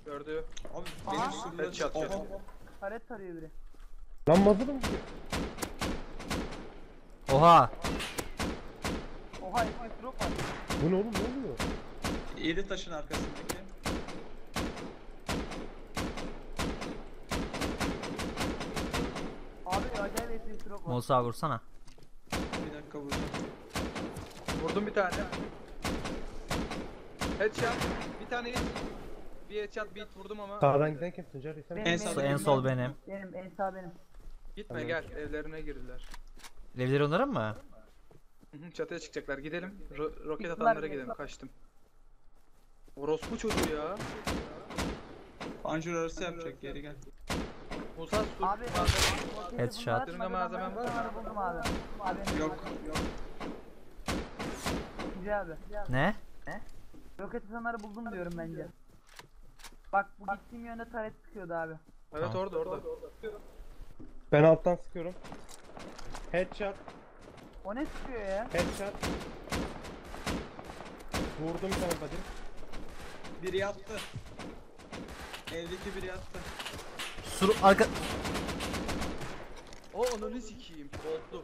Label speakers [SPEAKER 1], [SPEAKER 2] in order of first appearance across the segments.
[SPEAKER 1] Gördü.
[SPEAKER 2] Abi
[SPEAKER 3] Aha.
[SPEAKER 2] benim sürüler
[SPEAKER 1] Evet, çat, çat.
[SPEAKER 2] Oha.
[SPEAKER 3] Taret tarıyor biri.
[SPEAKER 4] Lan mazırım ki.
[SPEAKER 5] Oha.
[SPEAKER 3] Oha eski drop var.
[SPEAKER 4] Bu ne oğlum, ne oluyor?
[SPEAKER 2] 7 taşın arkasındaki.
[SPEAKER 3] Abi acayip eski drop var.
[SPEAKER 5] Musa vursana.
[SPEAKER 2] Bir dakika vuracağım.
[SPEAKER 1] Vurdum bir tane. Headshot. Bir tane hit. Bir headshot beat vurdum ama.
[SPEAKER 4] Sağdan giden kim Tuncer? Sen
[SPEAKER 3] Benim,
[SPEAKER 2] En
[SPEAKER 3] benim,
[SPEAKER 2] sağda
[SPEAKER 5] En sol benim.
[SPEAKER 3] benim, en sağ benim.
[SPEAKER 1] Gitme gel. Evlerine girdiler.
[SPEAKER 5] Evleri onların mı?
[SPEAKER 1] Hı hı, çatıya çıkacaklar. Gidelim. Roket
[SPEAKER 3] Çıktılar
[SPEAKER 1] atanlara
[SPEAKER 3] bile.
[SPEAKER 1] gidelim. Kaçtım. Orospu çocuğu ya.
[SPEAKER 2] Panjur arası yapacak, geri gel.
[SPEAKER 1] Musa sus.
[SPEAKER 3] Abi
[SPEAKER 1] Malzeme-
[SPEAKER 5] Headshot.
[SPEAKER 1] Dürünge malzemen var mı?
[SPEAKER 3] Buldum abi. Abi
[SPEAKER 2] Yok.
[SPEAKER 3] Güzel abi.
[SPEAKER 5] Ne?
[SPEAKER 3] Roket atanları buldum diyorum bence. Bak bu gittiğim yönde taret sıkıyordu abi.
[SPEAKER 1] Evet
[SPEAKER 5] Tamam.
[SPEAKER 1] orada.
[SPEAKER 4] Ben alttan sıkıyorum. Headshot,
[SPEAKER 3] O ne sıkıyor ya?
[SPEAKER 4] headshot. Vurdum bir tane body.
[SPEAKER 2] Biri yattı. Evdeki biri yattı.
[SPEAKER 5] Sur arka...
[SPEAKER 1] O ananı sikeyim. Oldu.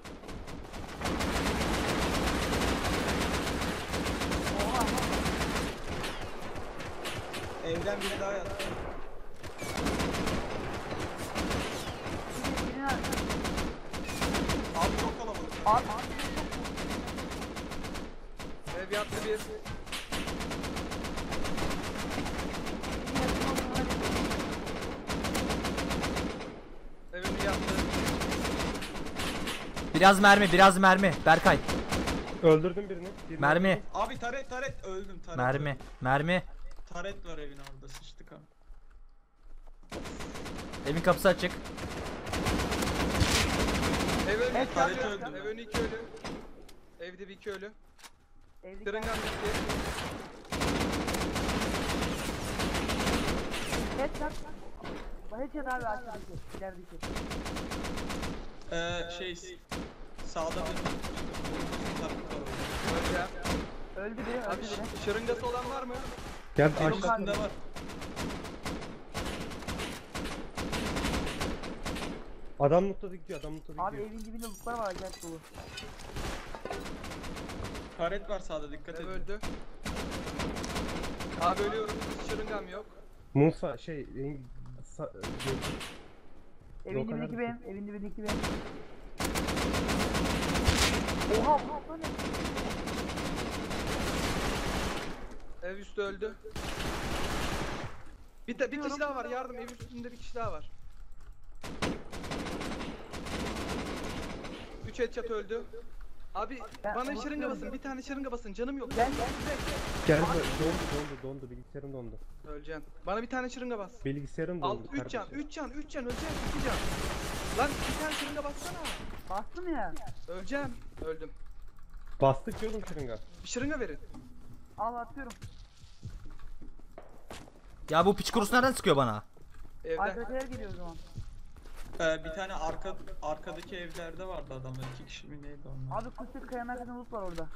[SPEAKER 3] Oha.
[SPEAKER 2] Evden biri daha yattı.
[SPEAKER 3] Birini
[SPEAKER 2] Abi çok kalabalık.
[SPEAKER 3] abi.
[SPEAKER 1] Ev yattı bir. Evini yattı.
[SPEAKER 5] Biraz mermi, biraz mermi. Berkay.
[SPEAKER 4] Öldürdüm birini.
[SPEAKER 5] Mermi.
[SPEAKER 2] Abi taret öldüm, taret
[SPEAKER 5] Mermi.
[SPEAKER 2] öldüm.
[SPEAKER 5] Mermi.
[SPEAKER 2] Taret var evin orada, sıçtık abi.
[SPEAKER 5] Evin kapısı açık.
[SPEAKER 1] Ev önü
[SPEAKER 3] Evet,
[SPEAKER 1] iki
[SPEAKER 2] taret
[SPEAKER 1] ölü.
[SPEAKER 2] öldüm.
[SPEAKER 1] Ev önü iki ölü. Evde bir iki ölü.
[SPEAKER 3] Evlilik
[SPEAKER 1] Kırıngan bitti.
[SPEAKER 3] headshot. Bu headshot abi aşağıdaki. İlerideki.
[SPEAKER 2] Sağda bir
[SPEAKER 1] Öleceğim.
[SPEAKER 3] Öldü biri,
[SPEAKER 1] Abi
[SPEAKER 3] öldü biri.
[SPEAKER 1] şırıngası olan var mı?
[SPEAKER 4] Gel
[SPEAKER 2] benim
[SPEAKER 4] aşağı.
[SPEAKER 2] üstünde var.
[SPEAKER 4] Adam mutlu gidiyor, adam mutlu
[SPEAKER 3] Abi
[SPEAKER 4] gidiyor.
[SPEAKER 3] evin dibinde lootlar var acayip dolu.
[SPEAKER 2] Taret var sağda, dikkat
[SPEAKER 1] Ev
[SPEAKER 2] edin.
[SPEAKER 1] öldü. Abi ölüyorum. Şırıngam yok.
[SPEAKER 4] Musa şey...
[SPEAKER 3] Evin
[SPEAKER 4] Yok,
[SPEAKER 3] dibindeki
[SPEAKER 4] neredesin?
[SPEAKER 3] benim, evin dibindeki benim. Oha bu ne?
[SPEAKER 1] Ev üstü öldü. Bir kişi daha var. Yardım. Ev üstünde bir kişi daha var. 3 headshot öldü. Abi
[SPEAKER 3] Ben
[SPEAKER 1] bana
[SPEAKER 3] onu
[SPEAKER 1] şırınga basın.
[SPEAKER 3] söyleyeyim.
[SPEAKER 1] Bir tane şırınga basın. Canım yok.
[SPEAKER 3] Gel
[SPEAKER 4] Gel dondu bilgisayarım dondu.
[SPEAKER 1] Öleceksin. Bana bir tane şırınga bas.
[SPEAKER 4] Bilgisayarım
[SPEAKER 1] Al
[SPEAKER 4] dondu
[SPEAKER 1] 3 can,
[SPEAKER 4] kardeşim.
[SPEAKER 1] 3 can, 3 can öleceksin, 2 can. Lan bir tane şırınga bassana.
[SPEAKER 3] bastım ya.
[SPEAKER 1] Öleceğim. Öldüm.
[SPEAKER 4] Bastık diyordum şırınga.
[SPEAKER 1] Bir şırınga verin.
[SPEAKER 3] Al atıyorum.
[SPEAKER 5] Ya bu piç kurusu nereden sıkıyor bana?
[SPEAKER 1] Evde.
[SPEAKER 3] Arkadakiler geliyor o zaman.
[SPEAKER 2] Bir tane arkadaki evlerde vardı adamlar, 2 kişi mi neydi onlar?
[SPEAKER 3] Abi kusur kayanın arkasında loot var orada.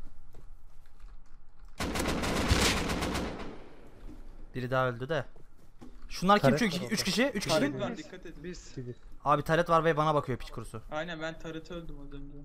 [SPEAKER 5] Biri daha öldü de. Şunlar kim?
[SPEAKER 4] Taret
[SPEAKER 5] Çünkü
[SPEAKER 4] var
[SPEAKER 5] 3
[SPEAKER 4] orada.
[SPEAKER 5] kişi, 3
[SPEAKER 2] Taret
[SPEAKER 5] kişi.
[SPEAKER 2] var, dikkat edin.
[SPEAKER 1] Biz.
[SPEAKER 4] Biziz.
[SPEAKER 5] Abi taret var ve bana bakıyor piç kurusu.
[SPEAKER 2] Aynen, ben tarete öldüm az önce.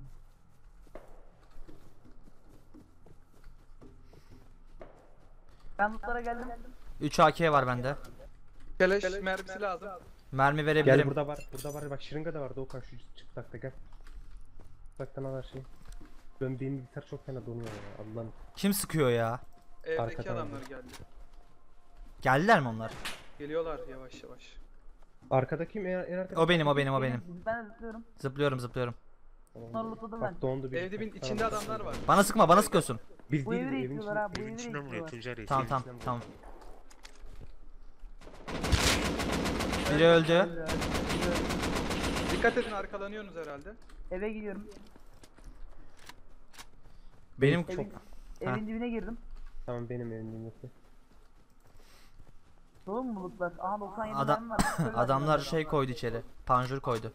[SPEAKER 3] Ben lootlara geldim.
[SPEAKER 5] 3 AK var bende.
[SPEAKER 1] Keleş mermisi lazım.
[SPEAKER 5] Mermi
[SPEAKER 4] Gel
[SPEAKER 5] verebilirim.
[SPEAKER 4] burada var bak şırınga da var Doğukan şu çıplakta gel. Çıplaktan al her şeyi. Benim bilgisayar çok fena donuyor ya Allah'ım.
[SPEAKER 5] Kim sıkıyor ya?
[SPEAKER 1] Evdeki
[SPEAKER 4] Arkadan
[SPEAKER 1] adamlar
[SPEAKER 4] aldım.
[SPEAKER 1] geldi.
[SPEAKER 5] Geldiler mi onlar?
[SPEAKER 1] Geliyorlar yavaş yavaş.
[SPEAKER 4] Arkadaki mi en arkadaki?
[SPEAKER 5] O benim, o benim, o benim.
[SPEAKER 3] Ben de zıplıyorum.
[SPEAKER 5] Zıplıyorum, zıplıyorum.
[SPEAKER 3] Bunları lootladım ben.
[SPEAKER 4] Bak dondu bilgisayar.
[SPEAKER 1] Evde bir
[SPEAKER 4] Tamam.
[SPEAKER 1] içinde adamlar var.
[SPEAKER 5] Bana sıkma, bana sıkıyorsun.
[SPEAKER 4] Biz
[SPEAKER 3] Bu
[SPEAKER 4] değiliz
[SPEAKER 3] evi de
[SPEAKER 4] evin
[SPEAKER 3] istiyorlar
[SPEAKER 4] içinde.
[SPEAKER 3] ha, bu evi de
[SPEAKER 6] İçinden vuruyor
[SPEAKER 3] istiyorlar.
[SPEAKER 6] Tuncer
[SPEAKER 5] Tamam,
[SPEAKER 6] Reis.
[SPEAKER 5] tamam, tamam. Biri öldü.
[SPEAKER 1] Dikkat edin arkalanıyorsunuz herhalde.
[SPEAKER 3] Eve gidiyorum.
[SPEAKER 5] Benim
[SPEAKER 3] Evin,
[SPEAKER 5] Ha.
[SPEAKER 3] evin dibine girdim.
[SPEAKER 4] Tamam benim evimdeki.
[SPEAKER 3] Dolu mu bulutlar? Aha 97
[SPEAKER 5] Adam-
[SPEAKER 3] mermi var. Şöyle
[SPEAKER 5] adamlar
[SPEAKER 3] atayım.
[SPEAKER 5] şey koydu içeri. Panjur koydu.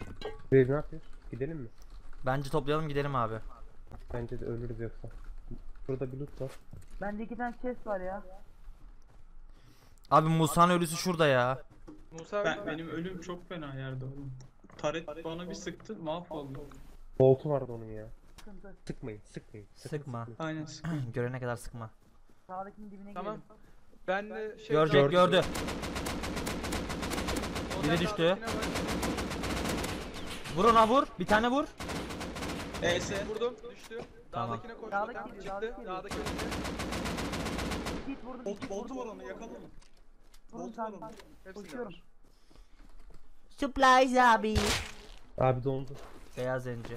[SPEAKER 4] Reis ne yapıyoruz? Gidelim mi?
[SPEAKER 5] Bence toplayalım gidelim abi.
[SPEAKER 4] Bence de ölürüz yoksa. Burada bir loot var.
[SPEAKER 3] Bende 2 tane chest var ya.
[SPEAKER 5] Abi Musa'nın ölüsü şurada ya.
[SPEAKER 1] Musa
[SPEAKER 2] Benim ölüm çok fena yerde oğlum. Taret bana bir sıktı, mahvoldum.
[SPEAKER 4] Bolt'u vardı onun ya.
[SPEAKER 3] Sıkıntı.
[SPEAKER 4] Sıkmayın, sıkmayın. sakın
[SPEAKER 5] Sıkma.
[SPEAKER 4] sıkmayın.
[SPEAKER 2] Aynen sıkıntı.
[SPEAKER 5] Görene kadar sıkma.
[SPEAKER 3] Sağdakinin dibine
[SPEAKER 1] Tamam.
[SPEAKER 3] girelim.
[SPEAKER 1] Ben de şey
[SPEAKER 5] Görecek, gördü.
[SPEAKER 1] Onlar
[SPEAKER 5] Biri düştü.
[SPEAKER 1] dağdakine bak.
[SPEAKER 5] Vur ona vur. Bir tane vur.
[SPEAKER 2] ES.
[SPEAKER 1] Vurdum, düştü.
[SPEAKER 5] Tamam.
[SPEAKER 1] Dağdakine koştu.
[SPEAKER 3] Dağdaki
[SPEAKER 1] Tam
[SPEAKER 3] geliyor,
[SPEAKER 1] çıktı.
[SPEAKER 3] dağdaki
[SPEAKER 1] Dağdaki
[SPEAKER 3] geliyor.
[SPEAKER 1] önünde.
[SPEAKER 3] Hit vurdum.
[SPEAKER 2] Boltu var onu yakalım.
[SPEAKER 3] Vurun
[SPEAKER 2] Bolt var
[SPEAKER 3] tamam.
[SPEAKER 2] onun.
[SPEAKER 1] Hepsini
[SPEAKER 3] Koşuyorum.
[SPEAKER 1] var.
[SPEAKER 5] Supplies abi.
[SPEAKER 4] Abi dondu.
[SPEAKER 5] Beyaz zenci.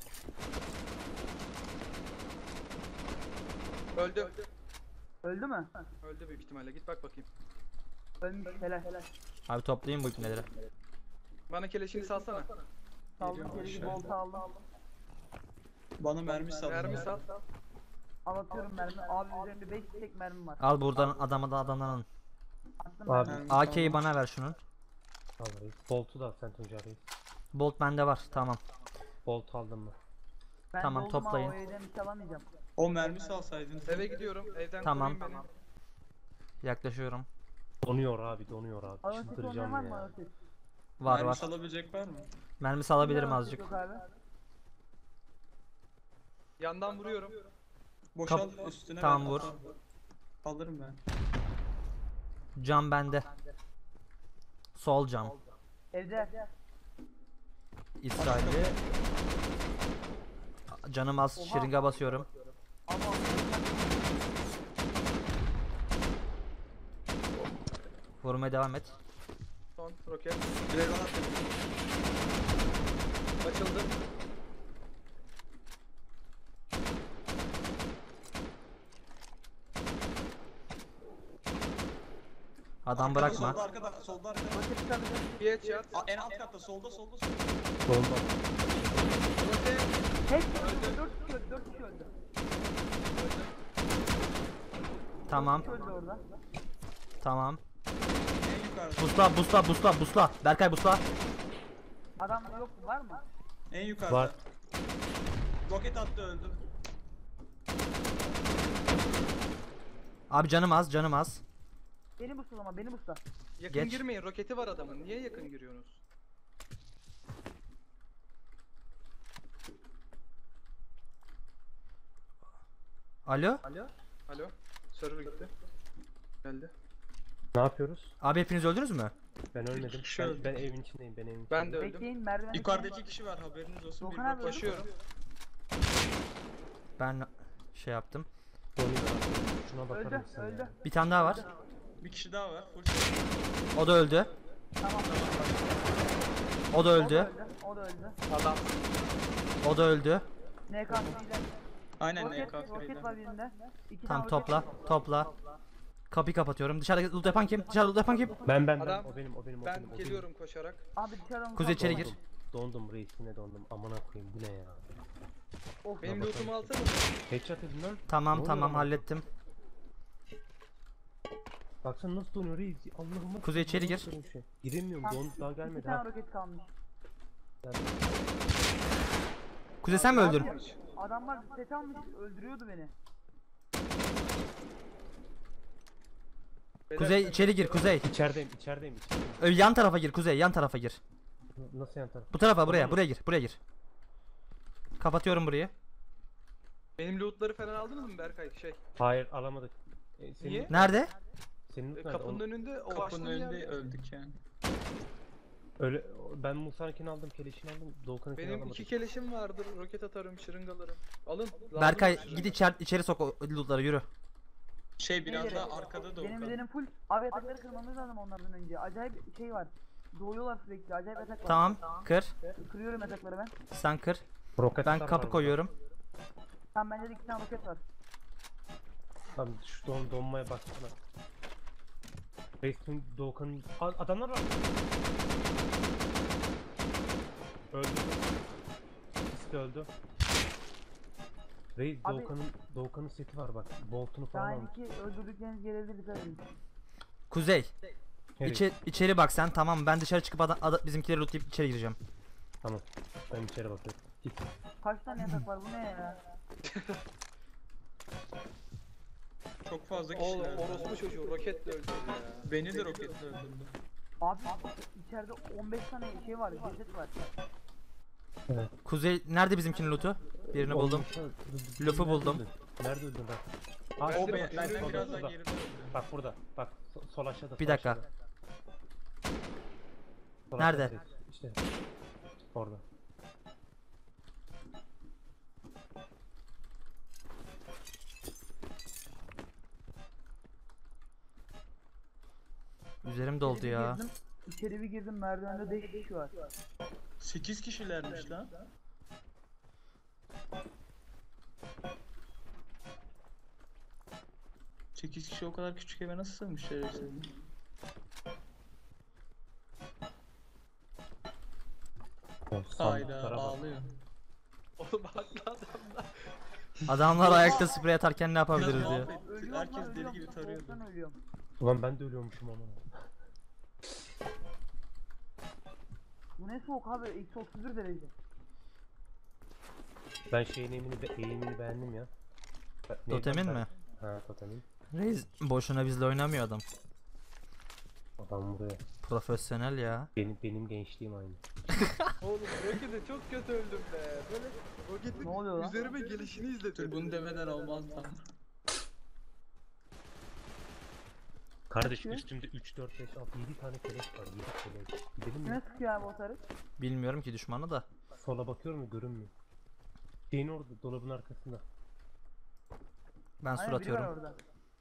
[SPEAKER 1] Öldü.
[SPEAKER 3] Öldü mü?
[SPEAKER 1] Öldü büyük ihtimalle. Git bak bakayım.
[SPEAKER 3] Ölmüş. Helal.
[SPEAKER 5] Abi toplayayım bu ipneleri.
[SPEAKER 1] Bana keleşini salsana.
[SPEAKER 3] Saldım
[SPEAKER 1] Geliyorum
[SPEAKER 3] geri
[SPEAKER 1] aşağı.
[SPEAKER 3] bolta aldım.
[SPEAKER 2] Bana mermi sal.
[SPEAKER 1] Mermi sal.
[SPEAKER 3] Atıyorum mermi. Abi üzerimde 5 tek mermi var.
[SPEAKER 5] Al buradan adamdan alın.
[SPEAKER 3] Attım
[SPEAKER 4] Abi.
[SPEAKER 3] mermi.
[SPEAKER 5] AK'yi bana ver şunun.
[SPEAKER 4] Vallahi. Bolt'u da al sen Tuncer Reis.
[SPEAKER 5] Bolt bende var. Tamam.
[SPEAKER 4] Bolt aldın mı?
[SPEAKER 3] Ben
[SPEAKER 5] Tamam,
[SPEAKER 3] doldum ama
[SPEAKER 5] toplayın.
[SPEAKER 3] O evden hiç alamayacağım.
[SPEAKER 2] O mermi salsaydın.
[SPEAKER 1] Eve gidiyorum. Evden
[SPEAKER 5] Tamam.
[SPEAKER 1] koruyun beni.
[SPEAKER 5] Yaklaşıyorum.
[SPEAKER 4] Donuyor abi, donuyor abi.
[SPEAKER 3] Aroset olmayan
[SPEAKER 4] Çıldıracağım
[SPEAKER 3] var mı
[SPEAKER 4] ya.
[SPEAKER 3] aroset?
[SPEAKER 5] Var
[SPEAKER 2] Mermi
[SPEAKER 5] var.
[SPEAKER 2] salabilecek var mı?
[SPEAKER 5] Mermisi alabilirim
[SPEAKER 3] Aroset
[SPEAKER 5] azıcık.
[SPEAKER 3] Yok abi.
[SPEAKER 1] Yandan vuruyorum.
[SPEAKER 2] Boşal üstüne
[SPEAKER 5] Tamam,
[SPEAKER 2] ver,
[SPEAKER 5] vur.
[SPEAKER 2] atarım. Alırım ben.
[SPEAKER 5] Cam bende. Sol cam.
[SPEAKER 3] Evde.
[SPEAKER 5] İsrail'i. Canım az. Şırınga basıyorum.
[SPEAKER 3] Ama
[SPEAKER 5] Vurmaya devam et.
[SPEAKER 1] Son roket.
[SPEAKER 2] Dragon attım.
[SPEAKER 1] Açıldı.
[SPEAKER 5] Adam
[SPEAKER 2] Arkada,
[SPEAKER 5] bırakma.
[SPEAKER 2] Solda arkada, solda arkada.
[SPEAKER 3] roket çıkabilir.
[SPEAKER 1] Bir headshot.
[SPEAKER 2] En alt katta, solda.
[SPEAKER 4] Dondu.
[SPEAKER 1] Roket.
[SPEAKER 3] Tek öldü. 4 kişi öldü. 4 kişi öldü.
[SPEAKER 5] Tamam.
[SPEAKER 3] 4 kişi öldü orada.
[SPEAKER 5] Tamam.
[SPEAKER 2] En yukarıda.
[SPEAKER 5] Busla busla busla busla. Berkay busla.
[SPEAKER 3] Adam yok mu? Var mı?
[SPEAKER 2] En yukarıda.
[SPEAKER 4] Var.
[SPEAKER 2] Roket attı, öldüm.
[SPEAKER 5] Abi canım az canım az.
[SPEAKER 3] Beni busla ama beni busla.
[SPEAKER 1] Yakın
[SPEAKER 5] Geç.
[SPEAKER 1] girmeyin. Roketi var adamın. Niye yakın giriyorsunuz?
[SPEAKER 5] Alo.
[SPEAKER 1] Alo. Server gitti. Geldi.
[SPEAKER 4] Ne yapıyoruz?
[SPEAKER 5] Abi hepiniz öldünüz mü?
[SPEAKER 4] Ben ölmedim.
[SPEAKER 2] kişi
[SPEAKER 4] Ben,
[SPEAKER 2] öldü.
[SPEAKER 4] ben evin içindeyim, ben evin
[SPEAKER 1] Ben de
[SPEAKER 4] içindeyim.
[SPEAKER 1] öldüm.
[SPEAKER 3] Bekleyin merdiven.
[SPEAKER 2] Yukarıda 2 kişi var, haberiniz olsun.
[SPEAKER 3] Dokan
[SPEAKER 2] Bir
[SPEAKER 3] abi,
[SPEAKER 2] bak-
[SPEAKER 1] Koşuyorum.
[SPEAKER 5] Ben şey yaptım.
[SPEAKER 4] Donuyor abi. Şuna bakar
[SPEAKER 3] Öldü.
[SPEAKER 4] mısın
[SPEAKER 3] Öldü.
[SPEAKER 4] ya?
[SPEAKER 5] Bir tane daha var.
[SPEAKER 2] Bir kişi daha var. Full.
[SPEAKER 5] O da öldü.
[SPEAKER 3] Tamam.
[SPEAKER 5] O da öldü.
[SPEAKER 3] O da öldü.
[SPEAKER 1] Adam.
[SPEAKER 5] O da öldü.
[SPEAKER 3] NK'siyle.
[SPEAKER 2] Aynen
[SPEAKER 3] Roket
[SPEAKER 2] NKF'yle.
[SPEAKER 3] var birinde. 2
[SPEAKER 5] Tamam
[SPEAKER 3] tane roket
[SPEAKER 5] topla.
[SPEAKER 3] var.
[SPEAKER 5] Topla. Kapıyı kapatıyorum. Dışarıda loot yapan kim? Dışarıda loot yapan kim?
[SPEAKER 4] Ben
[SPEAKER 1] Adam.
[SPEAKER 4] o benim, o benim, o
[SPEAKER 1] Ben
[SPEAKER 4] benim, o benim.
[SPEAKER 1] geliyorum koşarak.
[SPEAKER 3] Abi dışarıdan
[SPEAKER 5] Kuzey içeri gir.
[SPEAKER 4] Dondum reis, yine dondum. Amına koyayım, bu ne ya?
[SPEAKER 3] Of.
[SPEAKER 1] Benim
[SPEAKER 4] Buna
[SPEAKER 1] lootumu
[SPEAKER 4] bakalım.
[SPEAKER 1] alsana.
[SPEAKER 4] Headshot edin lan. Ne
[SPEAKER 5] Tamam
[SPEAKER 4] oluyor
[SPEAKER 5] tamam
[SPEAKER 4] lan?
[SPEAKER 5] hallettim.
[SPEAKER 4] Baksana nasıl donuyor reis. Allah'ım.
[SPEAKER 5] Kuzey içeri gir.
[SPEAKER 4] Giremiyorum,
[SPEAKER 3] Tamam.
[SPEAKER 4] daha
[SPEAKER 3] 2
[SPEAKER 4] gelmedi
[SPEAKER 3] tane
[SPEAKER 4] ha.
[SPEAKER 3] roket kalmış.
[SPEAKER 5] Kuzey sen mi öldün?
[SPEAKER 3] Abi, adamlar set almış öldürüyordu beni.
[SPEAKER 1] Beyler,
[SPEAKER 5] Kuzey içeri gir Kuzey.
[SPEAKER 4] İçerideyim.
[SPEAKER 5] Yan tarafa gir Kuzey yan tarafa gir.
[SPEAKER 4] Nasıl yan taraf?
[SPEAKER 5] Bu tarafa buraya gir buraya gir. Kapatıyorum burayı.
[SPEAKER 1] Benim lootları falan aldınız mı Berkay?
[SPEAKER 4] Hayır, alamadık. Senin,
[SPEAKER 1] Niye?
[SPEAKER 5] Nerede?
[SPEAKER 4] Senin loot nerede?
[SPEAKER 1] Kapının önünde o
[SPEAKER 2] Kapının
[SPEAKER 1] açtığın
[SPEAKER 2] önünde
[SPEAKER 1] yerde.
[SPEAKER 2] öldük yani.
[SPEAKER 4] Öyle, ben Musa'nkini aldım, keleşini aldım, Doğukan'ınkini
[SPEAKER 1] Benim
[SPEAKER 4] alamadım.
[SPEAKER 1] 2 keleşim vardır. Roket atarım, şırıngalarım. Alın. lazım
[SPEAKER 5] Berkay
[SPEAKER 1] mı?
[SPEAKER 5] git içeri sok o lootları yürü.
[SPEAKER 2] Biraz
[SPEAKER 3] Nereye?
[SPEAKER 2] daha arkada da
[SPEAKER 3] Benim
[SPEAKER 2] Okan.
[SPEAKER 3] üzerim full. Abi yatakları kırmamız lazım onlardan önce. Acayip şey var. Doğuyorlar sürekli. Acayip yatak var.
[SPEAKER 5] Tamam kır.
[SPEAKER 3] Kırıyorum yatakları ben.
[SPEAKER 5] Sen kır.
[SPEAKER 4] Roket
[SPEAKER 5] Ben
[SPEAKER 4] atar var
[SPEAKER 5] kapı
[SPEAKER 4] burada.
[SPEAKER 5] koyuyorum.
[SPEAKER 3] Tamam bende de 2 tane roket var.
[SPEAKER 4] Tamam, şu donmaya baksana. Reis'in Doğukan'ın... Adamlar var. Öldü. İkisi de öldü. Reis
[SPEAKER 3] Abi-
[SPEAKER 4] Doğukan'ın seti var bak. Bolt'unu falan
[SPEAKER 3] Daha
[SPEAKER 4] almış.
[SPEAKER 3] iki öldürdükleriniz gelebilir dikkat edin.
[SPEAKER 5] Kuzey
[SPEAKER 4] Nereye?
[SPEAKER 5] içeri bak sen tamam ben dışarı çıkıp bizimkileri lootlayıp içeri gireceğim.
[SPEAKER 4] Tamam. Ben içeri bakıyorum. Git.
[SPEAKER 3] Kaç tane yatak var bu ne ya?
[SPEAKER 2] Çok fazla
[SPEAKER 1] Oğlum
[SPEAKER 2] kişiler.
[SPEAKER 1] orospu çocuğu roketle öldürdü ya.
[SPEAKER 2] Beni de roketle öldürdü.
[SPEAKER 3] Abi içeride 15 tane şey var, ceset var.
[SPEAKER 4] Evet.
[SPEAKER 5] Kuzey nerede bizimkinin loot'u? Birini buldum. Lafı buldum.
[SPEAKER 4] Nerede öldün lan?
[SPEAKER 2] O
[SPEAKER 1] Ben de
[SPEAKER 2] benden
[SPEAKER 1] solda,
[SPEAKER 2] biraz daha
[SPEAKER 4] solda.
[SPEAKER 2] geride öldü.
[SPEAKER 4] Bak burada. Bak sol aşağıda.
[SPEAKER 5] Bir
[SPEAKER 4] sol
[SPEAKER 5] dakika.
[SPEAKER 4] aşağıda. Sol
[SPEAKER 5] Nerede?
[SPEAKER 4] aşağıda, İşte. Orada.
[SPEAKER 5] Üzerim doldu
[SPEAKER 3] İçeri bir
[SPEAKER 5] ya.
[SPEAKER 3] girdim, İçeri bir girdim, merdivende 5 kişi var.
[SPEAKER 2] 8 kişilermiş lan. Sekiz kişi o kadar küçük eve nasıl sığmış şerefsiz? Hayda
[SPEAKER 4] Sandıklara bak.
[SPEAKER 2] ağlıyor.
[SPEAKER 1] Oğlum haklı adamlar.
[SPEAKER 5] Adamlar ayakta sprey atarken ne yapabiliriz
[SPEAKER 2] Biraz
[SPEAKER 5] diyor.
[SPEAKER 2] muhabbet.
[SPEAKER 3] Ölüyorum
[SPEAKER 2] Herkes
[SPEAKER 3] lan,
[SPEAKER 2] deli
[SPEAKER 3] ölüyorum.
[SPEAKER 2] gibi tarıyordu.
[SPEAKER 3] Soğuktan ölüyorum.
[SPEAKER 4] Ulan ben de ölüyormuşum ama.
[SPEAKER 3] Bu ne soğuk abi, eksi 31 derece.
[SPEAKER 4] Ben şeyin eğimini beğendim ya.
[SPEAKER 5] Totemin mi?
[SPEAKER 4] Ha totemin.
[SPEAKER 5] Reis boşuna bizle oynamıyor adam.
[SPEAKER 4] Adam buraya.
[SPEAKER 5] Profesyonel ya.
[SPEAKER 4] Benim gençliğim aynı.
[SPEAKER 1] Oğlum rokete çok kötü öldüm be. Böyle roketin
[SPEAKER 3] Ne oluyor lan?
[SPEAKER 1] üzerime gelişini
[SPEAKER 2] Dur
[SPEAKER 1] izledim.
[SPEAKER 2] bunu demeden olmaz tam.
[SPEAKER 4] Kardeş
[SPEAKER 3] Kaçıyor?
[SPEAKER 4] üstümde 3, 4, 5, 6, 7 tane keleş var. 7 keleş. Gidelim mi?
[SPEAKER 3] Kime sıkıyor abi o tarık?
[SPEAKER 5] Bilmiyorum ki düşmanı da.
[SPEAKER 4] Sola bakıyorum ya görünmüyor. Şeyin orada dolabın arkasında.
[SPEAKER 5] Ben sur
[SPEAKER 3] Aynen, biri var
[SPEAKER 5] atıyorum.
[SPEAKER 3] orada.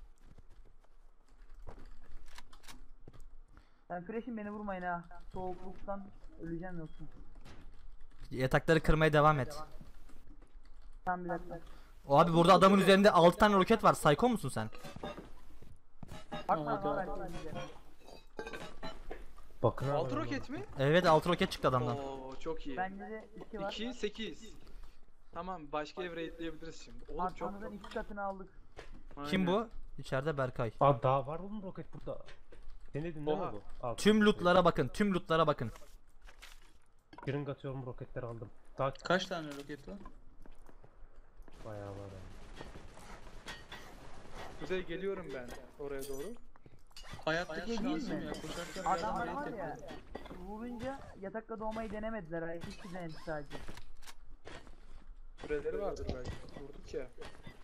[SPEAKER 3] Sen fresh'im, beni vurmayın ha. Soğukluktan öleceğim yoksa.
[SPEAKER 5] Yatakları kırmaya devam et.
[SPEAKER 3] Tamam bir dakika.
[SPEAKER 5] O abi burada adamın üzerinde 6 tane roket var. Psycho musun sen?
[SPEAKER 3] Bakma
[SPEAKER 2] Tamam,
[SPEAKER 3] lan
[SPEAKER 2] tamam.
[SPEAKER 3] herkes bize.
[SPEAKER 4] Bakın abi.
[SPEAKER 1] Altı
[SPEAKER 4] adamlar.
[SPEAKER 1] roket mi?
[SPEAKER 5] Evet 6 roket çıktı adamdan.
[SPEAKER 1] Oo çok iyi.
[SPEAKER 3] Bende de 2 var.
[SPEAKER 1] 2 8. Tamam başka ev raidleyebiliriz şimdi. Oğlum çok
[SPEAKER 3] Arkamızdan 2 katını aldık.
[SPEAKER 5] Kim bu? İçeride Berkay.
[SPEAKER 4] Aa daha var oğlum roket burada. Denedin ne
[SPEAKER 1] Oha.
[SPEAKER 4] oldu? Al.
[SPEAKER 5] Tüm lootlara bakın. Tüm lootlara bakın.
[SPEAKER 4] Kırıng atıyorum roketleri aldım. Daha
[SPEAKER 2] Kaç tane roket var?
[SPEAKER 4] bayağı var yani.
[SPEAKER 1] Kuzey geliyorum ben oraya doğru.
[SPEAKER 2] Hayattaki
[SPEAKER 3] Şey değil
[SPEAKER 2] şansım
[SPEAKER 3] mi?
[SPEAKER 2] ya koşarken
[SPEAKER 3] Adamlar
[SPEAKER 2] biraz
[SPEAKER 3] var
[SPEAKER 2] raid
[SPEAKER 3] ya,
[SPEAKER 2] yapıyor.
[SPEAKER 3] vurunca yatakta doğmayı denemediler ha. 2 kişi denedi sadece.
[SPEAKER 1] Süreleri vardır belki. Vurduk ya.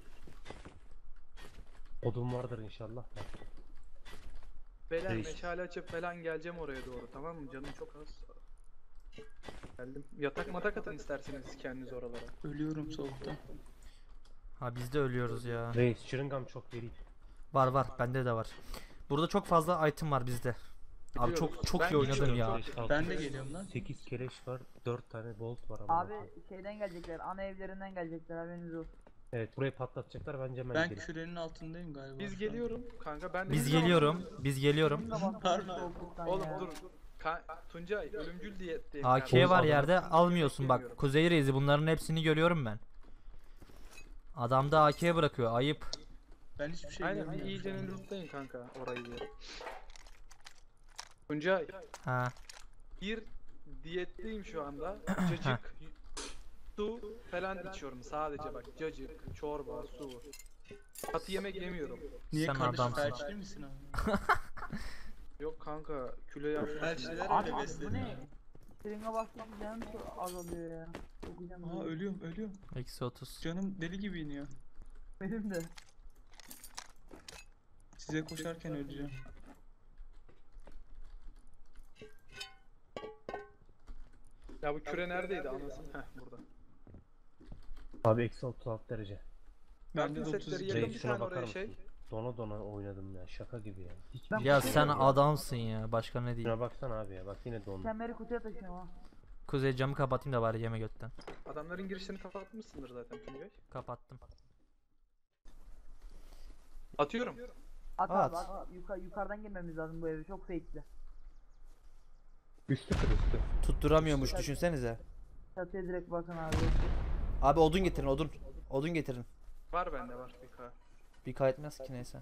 [SPEAKER 4] Odun vardır inşallah. da.
[SPEAKER 1] Belen
[SPEAKER 4] Reis.
[SPEAKER 1] meşale açıp falan geleceğim oraya doğru, tamam mı? Canım çok az. Geldim. Yatak matak atın isterseniz kendiniz oralara.
[SPEAKER 2] Ölüyorum soğukta.
[SPEAKER 5] Ha biz de ölüyoruz ya.
[SPEAKER 4] Reis şırıngam çok vereyim.
[SPEAKER 5] Var var bende de var. Burada çok fazla item var bizde. Abi
[SPEAKER 1] Biliyoruz.
[SPEAKER 5] çok
[SPEAKER 1] Ben
[SPEAKER 5] iyi oynadım
[SPEAKER 1] geçiyorum,
[SPEAKER 5] ya.
[SPEAKER 1] çok-
[SPEAKER 2] Ben de geliyorum lan.
[SPEAKER 4] 8 keleş var. 4 tane bolt var ama.
[SPEAKER 3] Abi şeyden gelecekler, ana evlerinden gelecekler, haberiniz olsun.
[SPEAKER 4] Evet burayı patlatacaklar bence hemen
[SPEAKER 2] Ben
[SPEAKER 4] gidelim.
[SPEAKER 2] kürenin altındayım galiba.
[SPEAKER 1] Biz
[SPEAKER 2] şu an.
[SPEAKER 1] geliyorum kanka, ben de
[SPEAKER 5] Biz
[SPEAKER 1] bizim
[SPEAKER 5] geliyorum. Biz geliyorum.
[SPEAKER 3] Benim de bastım
[SPEAKER 2] Pardon.
[SPEAKER 3] soğukluktan
[SPEAKER 1] Oğlum
[SPEAKER 3] ya.
[SPEAKER 1] dur. Tuncay ölümcül diyetteyim.
[SPEAKER 5] AK
[SPEAKER 1] ben.
[SPEAKER 5] var
[SPEAKER 4] Oğuz
[SPEAKER 5] yerde
[SPEAKER 1] adamı-
[SPEAKER 5] almıyorsun bak.
[SPEAKER 1] Bilmiyorum.
[SPEAKER 5] Kuzey Reis'i bunların hepsini görüyorum ben. Adamda AK bırakıyor ayıp.
[SPEAKER 2] Ben hiçbir şey
[SPEAKER 1] Aynen bir
[SPEAKER 2] görmüyorum.
[SPEAKER 1] iyice lootlayın kanka orayı diye. Tuncay
[SPEAKER 5] Ha.
[SPEAKER 1] bir diyetteyim şu anda. Cacık, su falan içiyorum sadece bak. Cacık, çorba, su. Katı yemek yemiyorum.
[SPEAKER 2] Niye
[SPEAKER 5] Sen
[SPEAKER 2] kardeşim
[SPEAKER 5] adamsın.
[SPEAKER 2] felçli misin abi?
[SPEAKER 1] Yok kanka kilo yapmışsın.
[SPEAKER 2] Felçliler
[SPEAKER 3] Abi
[SPEAKER 2] öyle
[SPEAKER 3] bu
[SPEAKER 2] besleniyor.
[SPEAKER 3] ne? String'e bastık canım çok azalıyor ya. Çok canım
[SPEAKER 2] Aa
[SPEAKER 3] azalıyor.
[SPEAKER 2] ölüyorum.
[SPEAKER 5] Eksi 30.
[SPEAKER 2] Canım deli gibi iniyor.
[SPEAKER 3] Benim de.
[SPEAKER 2] Size koşarken öleceğim.
[SPEAKER 1] Ya bu küre neredeydi anasını? Heh burada.
[SPEAKER 4] Abi eksi 36 derece.
[SPEAKER 2] Ben de
[SPEAKER 1] Kartın setleri
[SPEAKER 2] 32.
[SPEAKER 1] yakın
[SPEAKER 4] Reis
[SPEAKER 1] bir
[SPEAKER 4] şuna
[SPEAKER 1] tane
[SPEAKER 4] bakar
[SPEAKER 1] oraya
[SPEAKER 4] mısın?
[SPEAKER 1] şey.
[SPEAKER 4] Dona dona oynadım ya şaka gibi ya. Hiç
[SPEAKER 3] Ben-
[SPEAKER 5] Ya sen adamsın ya. Başka ne diyeyim.
[SPEAKER 4] Şuna baksana abi ya bak yine dondu.
[SPEAKER 3] Kemeri kutuya taşıyorum ha.
[SPEAKER 5] Kuzey camı kapatayım da bari yeme götten.
[SPEAKER 1] Adamların girişlerini kapatmışsındır zaten Tuncay.
[SPEAKER 5] Kapattım.
[SPEAKER 1] Atıyorum.
[SPEAKER 3] At
[SPEAKER 5] At.
[SPEAKER 3] abi at. Yukarıdan girmemiz lazım bu eve, çok fake'li.
[SPEAKER 4] Üstü kır üstü.
[SPEAKER 5] Tutturamıyormuş düşünsenize.
[SPEAKER 3] Çatıya direkt bakın abi.
[SPEAKER 5] Abi odun getirin odun. Odun getirin.
[SPEAKER 1] Var bende var bir K.
[SPEAKER 5] Bir kaydetmez ki neyse.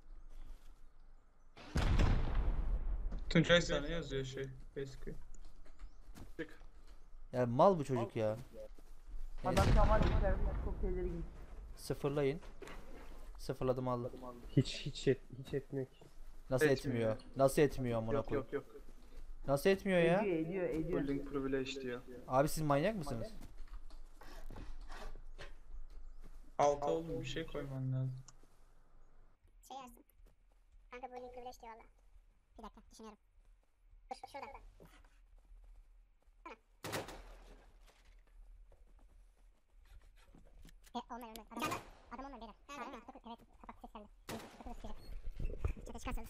[SPEAKER 2] Tuncay sana yazıyor şey. Eski.
[SPEAKER 1] Çık.
[SPEAKER 5] Ya mal bu çocuk ya. Neyse
[SPEAKER 3] Adam şu an var ya, içeride çok tedirgin.
[SPEAKER 5] sıfırlayın. Sıfırladım aldım.
[SPEAKER 4] Hiç etmiyor ki.
[SPEAKER 5] Nasıl
[SPEAKER 1] Etmiyor.
[SPEAKER 5] etmiyor? Nasıl etmiyor amına
[SPEAKER 1] Yok
[SPEAKER 5] koyayım?
[SPEAKER 1] yok yok.
[SPEAKER 5] Nasıl etmiyor ya?
[SPEAKER 3] Ediyor.
[SPEAKER 1] Holding privilege diyor.
[SPEAKER 5] Abi siz manyak mısınız?
[SPEAKER 2] Alta oğlum bir şey koyman lazım.
[SPEAKER 6] Şey yersin. Kanka bu link privilege diyor valla. Bir dakika düşünüyorum. Dur şurada. Olmuyor. Adam olmuyor beyler. Evet kapat ses geldi. Kapı da sıkacak. Çatı çıkarsanız.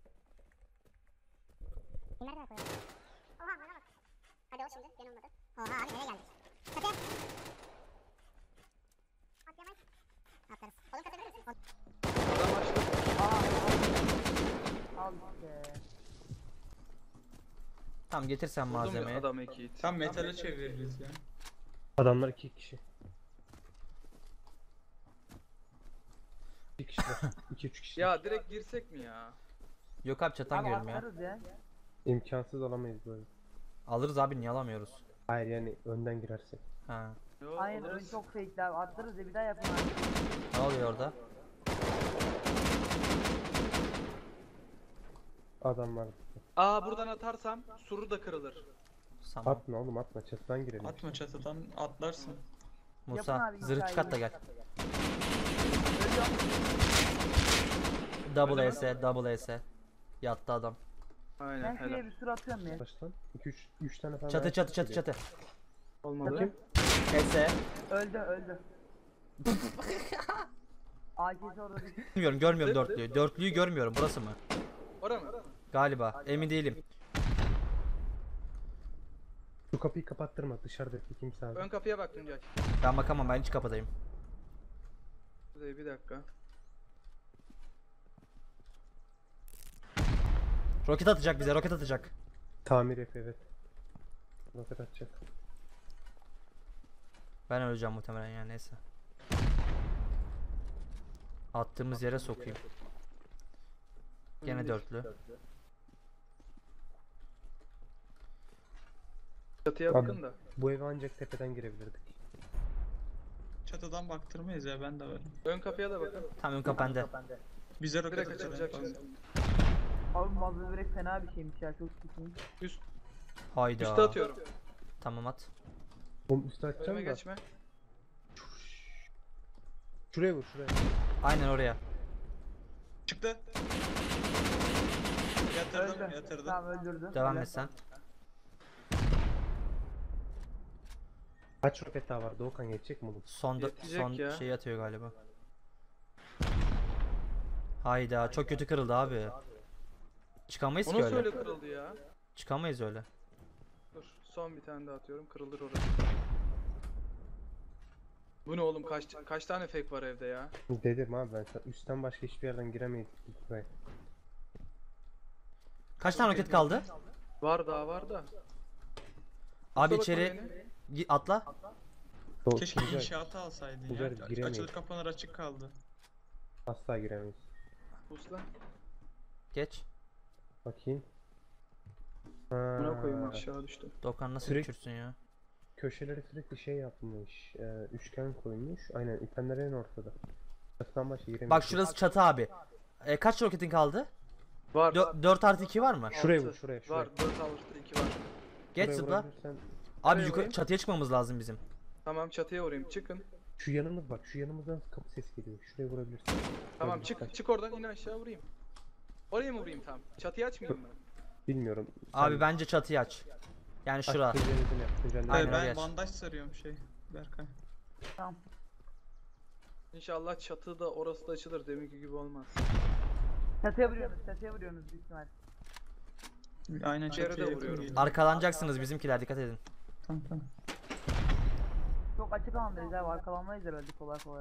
[SPEAKER 6] Nereden koyuyorsun? Oha bana bak. Hadi o şimdi benim olmadı. Oha abi nereye geldik? Çatı. Atlayamayız. Atlarız. Oğlum katabilir misin?
[SPEAKER 1] Adam açtı.
[SPEAKER 3] Al işte.
[SPEAKER 5] Tamam getir sen
[SPEAKER 1] Buldum
[SPEAKER 5] malzemeyi.
[SPEAKER 1] adamı 2 hit.
[SPEAKER 2] Tam metale çeviririz ya.
[SPEAKER 4] Adamlar 2 kişi. 2 kişiler. 2-3 kişi.
[SPEAKER 1] Ya direkt girsek mi ya?
[SPEAKER 5] Yok abi çatan
[SPEAKER 3] Abi
[SPEAKER 5] görüyorum ya.
[SPEAKER 3] atlarız ya.
[SPEAKER 4] İmkansız alamayız böyle.
[SPEAKER 5] Alırız abi niye alamıyoruz?
[SPEAKER 4] Hayır yani önden girersek.
[SPEAKER 5] Ha.
[SPEAKER 1] Yo,
[SPEAKER 3] Aynen ön
[SPEAKER 1] alırız.
[SPEAKER 3] çok fake abi. Atlarız ya bir daha yapın abi.
[SPEAKER 5] Ne oluyor orada?
[SPEAKER 4] Adam var.
[SPEAKER 1] Aa buradan atarsam suru da kırılır.
[SPEAKER 5] Tamam.
[SPEAKER 4] Atma oğlum atma çatıdan girelim.
[SPEAKER 2] Atma çatıdan atlarsın.
[SPEAKER 5] Musa
[SPEAKER 3] Yapın abi,
[SPEAKER 5] zırh çıkart da
[SPEAKER 3] hikayeyi.
[SPEAKER 5] gel. Double S, double S. Yattı adam.
[SPEAKER 1] Aynen
[SPEAKER 3] Ben şuraya
[SPEAKER 1] helal.
[SPEAKER 3] bir sürü atıyorum ya.
[SPEAKER 4] Baştan 2-3 tane falan.
[SPEAKER 5] Çatı çatı çatı
[SPEAKER 4] geliyor.
[SPEAKER 5] çatı.
[SPEAKER 1] Olmadı.
[SPEAKER 4] Bakayım.
[SPEAKER 5] S.
[SPEAKER 3] Öldü. AK'si orada değil.
[SPEAKER 5] Görmüyorum dörtlüyü. Dörtlüyü görmüyorum. Burası mı?
[SPEAKER 1] Ora mı?
[SPEAKER 5] Galiba. Emin değilim.
[SPEAKER 4] Şu kapıyı kapattırma dışarıdaki kimse abi.
[SPEAKER 1] Ön kapıya bak Tuncay.
[SPEAKER 5] Ben bakamam ben hiç kapıdayım.
[SPEAKER 1] Bir dakika.
[SPEAKER 5] Roket atacak bize roket atacak.
[SPEAKER 4] Tamir yap evet. Roket atacak.
[SPEAKER 5] Ben öleceğim muhtemelen yani neyse. Attığımız yere sokayım. Gene dörtlü.
[SPEAKER 1] Çatıya
[SPEAKER 4] Abi.
[SPEAKER 1] bakın da.
[SPEAKER 4] Bu eve ancak tepeden girebilirdik.
[SPEAKER 2] Çatıdan baktırmayız ya ben de varım.
[SPEAKER 1] Ön kapıya da bakın.
[SPEAKER 5] Tam ön kapende.
[SPEAKER 2] Bize roket
[SPEAKER 1] Direkt
[SPEAKER 2] atacak.
[SPEAKER 1] açılacak
[SPEAKER 2] falan.
[SPEAKER 1] şimdi.
[SPEAKER 3] Abi mazlum börek fena bir şeymiş ya çok sıkıntı.
[SPEAKER 1] Üst,
[SPEAKER 5] Hayda.
[SPEAKER 1] üste atıyorum.
[SPEAKER 5] Tamam at.
[SPEAKER 4] Oğlum üstü açacağım
[SPEAKER 1] Önüme
[SPEAKER 4] da.
[SPEAKER 1] geçme.
[SPEAKER 4] Şuraya vur şuraya.
[SPEAKER 5] Aynen oraya.
[SPEAKER 2] Çıktı. Yatırdım
[SPEAKER 3] Öldü.
[SPEAKER 2] yatırdım.
[SPEAKER 3] Tamam öldürdü.
[SPEAKER 5] Devam
[SPEAKER 3] Helal.
[SPEAKER 5] et sen.
[SPEAKER 4] Kaç roket daha var? Doğukan geçecek mi oğlum?
[SPEAKER 1] Yetecek
[SPEAKER 5] Son
[SPEAKER 1] ya.
[SPEAKER 5] şey atıyor galiba. Hayda çok kötü kırıldı abi. Çıkamayız
[SPEAKER 1] O
[SPEAKER 5] ki
[SPEAKER 1] nasıl
[SPEAKER 5] öyle.
[SPEAKER 1] öyle kırıldı ya?
[SPEAKER 5] Çıkamayız öyle.
[SPEAKER 1] Dur son bir tane daha atıyorum. Kırılır orası. Bu ne oğlum kaç tane fake var evde ya?
[SPEAKER 4] Dedim abi ben sana üstten başka hiçbir yerden giremeyiz buraya.
[SPEAKER 5] Kaç tane roket kaldı?
[SPEAKER 1] Var daha var da.
[SPEAKER 5] Abi
[SPEAKER 1] Kusura bakma
[SPEAKER 5] içeri
[SPEAKER 1] beni.
[SPEAKER 5] atla.
[SPEAKER 2] Keşke
[SPEAKER 4] Tuncay,
[SPEAKER 2] inşaatı alsaydın
[SPEAKER 4] Tuncay,
[SPEAKER 2] ya.
[SPEAKER 4] giremeyiz.
[SPEAKER 2] Açılır kapanır açık kaldı.
[SPEAKER 4] asla giremeyiz.
[SPEAKER 1] Uslan.
[SPEAKER 5] Geç.
[SPEAKER 4] Bakayım.
[SPEAKER 1] Buna koyayım
[SPEAKER 4] Ha,
[SPEAKER 1] aşağı düştüm.
[SPEAKER 5] Dokan nasıl
[SPEAKER 4] Sürekli-
[SPEAKER 5] uçursun ya?
[SPEAKER 4] köşelere sürekli şey yapmış. Üçgen koymuş. Aynen ipenler en ortada. Çatıdan başka giremeyiz.
[SPEAKER 5] Bak şurası çatı abi. Kaç roketin kaldı?
[SPEAKER 1] Var.
[SPEAKER 5] 4 artı 2 var mı?
[SPEAKER 4] Şuraya
[SPEAKER 1] Altı.
[SPEAKER 4] vur şuraya şuraya.
[SPEAKER 1] Var 4 avlusda 2 var.
[SPEAKER 5] Geç
[SPEAKER 4] Şuraya
[SPEAKER 5] zıpla.
[SPEAKER 4] vurabilirsen-
[SPEAKER 5] Abi
[SPEAKER 1] Oraya
[SPEAKER 5] yukarı
[SPEAKER 1] vurayım.
[SPEAKER 5] çatıya çıkmamız lazım bizim.
[SPEAKER 1] Tamam çatıya vurayım çıkın.
[SPEAKER 4] Şu yanımız bak şu yanımızdan kapı ses geliyor. Şuraya vurabilirsin.
[SPEAKER 1] Tamam
[SPEAKER 4] Şöyle
[SPEAKER 1] çık
[SPEAKER 4] dikkat.
[SPEAKER 1] çık oradan in aşağı vurayım. Oraya mı vurayım tam? Çatıya açmayayım mı?
[SPEAKER 4] Bilmiyorum.
[SPEAKER 5] Abi bence çatıyı aç. Yani şura. Aynen,
[SPEAKER 2] Hayır
[SPEAKER 5] oraya
[SPEAKER 2] ben
[SPEAKER 5] aç.
[SPEAKER 2] bandaj sarıyorum şey. Berkay.
[SPEAKER 3] Tamam.
[SPEAKER 1] İnşallah çatıda orası da açılır deminki gibi olmaz.
[SPEAKER 3] Çatıya vuruyorsunuz büyük ihtimal.
[SPEAKER 2] Aynen
[SPEAKER 1] Bir yere de
[SPEAKER 2] çatıya yakın
[SPEAKER 1] vuruyorum.
[SPEAKER 2] geliyor.
[SPEAKER 5] Arkalanacaksınız bizimkiler dikkat edin.
[SPEAKER 2] Tamam.
[SPEAKER 3] Çok açık alandayız abi arkalanmayız herhalde kolay kolay.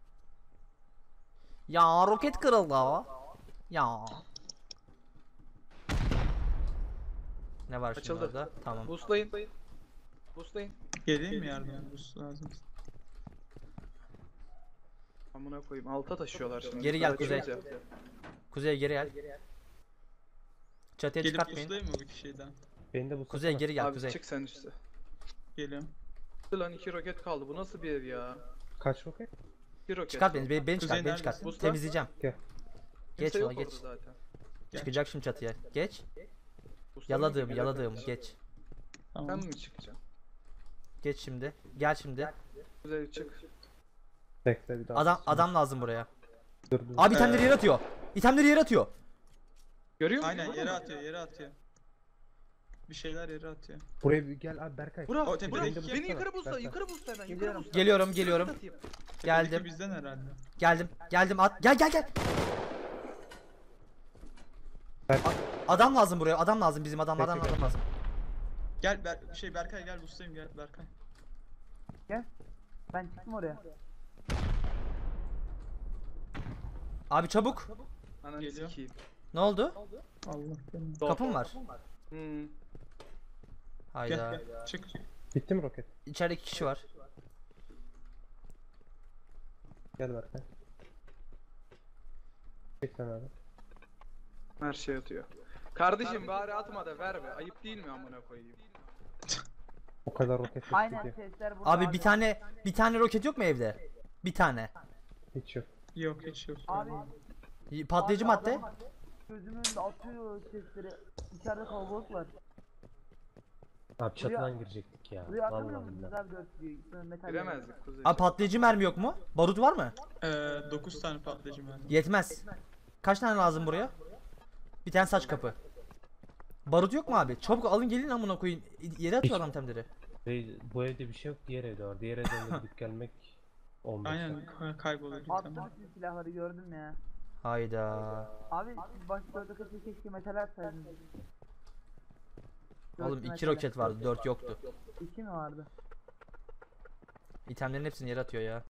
[SPEAKER 5] Ya roket kırıldı. Ya. Ne var şimdi
[SPEAKER 1] Açıldı.
[SPEAKER 5] orada? Tamam.
[SPEAKER 1] Boostlayın. Boostlayın.
[SPEAKER 2] Geleyim mi yardıma? Bu lazım.
[SPEAKER 1] Amına koyayım alta taşıyorlar şimdi.
[SPEAKER 5] Geri gel,
[SPEAKER 1] Açıyoruz
[SPEAKER 5] Kuzey.
[SPEAKER 1] ya.
[SPEAKER 5] Kuzey geri gel. Çatıya
[SPEAKER 2] Gelip
[SPEAKER 5] çıkartmayın.
[SPEAKER 2] puslayayım mı bir kişiden?
[SPEAKER 4] Beni de bu
[SPEAKER 5] Kuzey geri gel
[SPEAKER 1] Abi
[SPEAKER 5] Kuzey.
[SPEAKER 1] çık sen üstte.
[SPEAKER 2] Geliyorum.
[SPEAKER 1] Lan 2 roket kaldı. Bu nasıl bir ev ya?
[SPEAKER 4] Kaç roket?
[SPEAKER 1] Bir roket.
[SPEAKER 5] Çıkart beni, beni çıkart,
[SPEAKER 2] Kuzey
[SPEAKER 5] beni çıkart.
[SPEAKER 2] neredesin?
[SPEAKER 5] Temizleyeceğim.
[SPEAKER 4] Gel.
[SPEAKER 5] Geç
[SPEAKER 1] Kimse
[SPEAKER 5] ona
[SPEAKER 1] yok
[SPEAKER 5] geç.
[SPEAKER 1] orada zaten.
[SPEAKER 2] Gel.
[SPEAKER 5] Çıkacak şimdi çatıya. Geç.
[SPEAKER 1] Usta
[SPEAKER 5] Yaladığım,
[SPEAKER 1] mı?
[SPEAKER 5] yaladığım. Geç.
[SPEAKER 1] Ben
[SPEAKER 2] Tamam.
[SPEAKER 1] mi çıkacağım?
[SPEAKER 5] Geç şimdi. Gel şimdi.
[SPEAKER 1] Kuzey çık.
[SPEAKER 4] Bekle bir daha.
[SPEAKER 5] Adam lazım buraya.
[SPEAKER 4] Dur dur.
[SPEAKER 5] Abi itemleri yere atıyor. İtemleri yere atıyor.
[SPEAKER 1] Görüyor musun?
[SPEAKER 2] Aynen yere atıyor, yere atıyor. Bir şeyler yere atıyor.
[SPEAKER 4] Buraya bir gel abi Berkay.
[SPEAKER 1] Bura,
[SPEAKER 2] O tepedeki
[SPEAKER 1] bura.
[SPEAKER 2] kim?
[SPEAKER 1] Beni yukarı busla,
[SPEAKER 4] Berkay.
[SPEAKER 1] yukarı busla hemen, yukarı
[SPEAKER 3] Geliyorum.
[SPEAKER 1] busla.
[SPEAKER 5] Geliyorum, geliyorum.
[SPEAKER 1] Atayım.
[SPEAKER 5] Geldim.
[SPEAKER 2] Tepedeki bizden herhalde.
[SPEAKER 5] Geldim at. Gel.
[SPEAKER 4] Berkay.
[SPEAKER 5] Adam lazım buraya. Adam lazım bizim adam
[SPEAKER 4] Bekle,
[SPEAKER 5] adam
[SPEAKER 4] bekle.
[SPEAKER 5] lazım.
[SPEAKER 2] Gel Berkay gel ustayım gel Berkay.
[SPEAKER 3] Ben çıktım oraya.
[SPEAKER 5] Abi çabuk.
[SPEAKER 1] Ananı
[SPEAKER 2] Geliyor.
[SPEAKER 1] sikeyim.
[SPEAKER 5] Ne oldu?
[SPEAKER 2] Allah benim.
[SPEAKER 5] Kapım var.
[SPEAKER 1] Hmm.
[SPEAKER 5] Hayda.
[SPEAKER 2] Gel çık.
[SPEAKER 4] Bitti mi roket?
[SPEAKER 5] İçeride 2 kişi var.
[SPEAKER 4] Gel Berkay. Çek sen abi.
[SPEAKER 1] Her şey atıyor. Kardeşim bari atma da ver be. Ayıp değil mi amına koyayım?
[SPEAKER 4] O kadar roket yok
[SPEAKER 3] Aynen
[SPEAKER 4] ki.
[SPEAKER 3] sesler burada.
[SPEAKER 5] Abi bir tane roket yok mu evde? Bir tane.
[SPEAKER 4] Hiç yok.
[SPEAKER 2] Yok hiç yok.
[SPEAKER 3] Abi
[SPEAKER 5] Patlayıcı madde.
[SPEAKER 3] adam gözümün önünde atıyor sesleri. İçeride kalabalık var.
[SPEAKER 4] Abi çatıdan girecektik ya.
[SPEAKER 3] Buraya atamıyor
[SPEAKER 4] Vallahi
[SPEAKER 3] musunuz
[SPEAKER 4] billahi.
[SPEAKER 3] abi 4 diyor. Sonra metal
[SPEAKER 1] Giremezdik Kuzey.
[SPEAKER 5] Abi patlayıcı mermi yok mu? Barut var mı?
[SPEAKER 2] 9 tane patlayıcı mermi.
[SPEAKER 5] Yetmez. Kaç tane lazım buraya? Bir tane saç kapı. Barut yok mu abi? Çabuk alın gelin amına koyun. Yere atıyor adam temleri.
[SPEAKER 4] Bu evde bir şey yok, diğer evde var. Diğer evden de gidip gelmek olmaz.
[SPEAKER 2] Aynen kayboluyor bir
[SPEAKER 3] Attı
[SPEAKER 2] tane.
[SPEAKER 3] bütün silahları gördüm ya.
[SPEAKER 5] Hayda.
[SPEAKER 3] Abi siz başta orada kaçı keşke metal atsaydınız.
[SPEAKER 5] Oğlum
[SPEAKER 3] Dört
[SPEAKER 5] 2
[SPEAKER 3] metal.
[SPEAKER 5] roket vardı, 4 yoktu.
[SPEAKER 3] 2 mi vardı?
[SPEAKER 5] İtemlerin hepsini yere atıyor ya.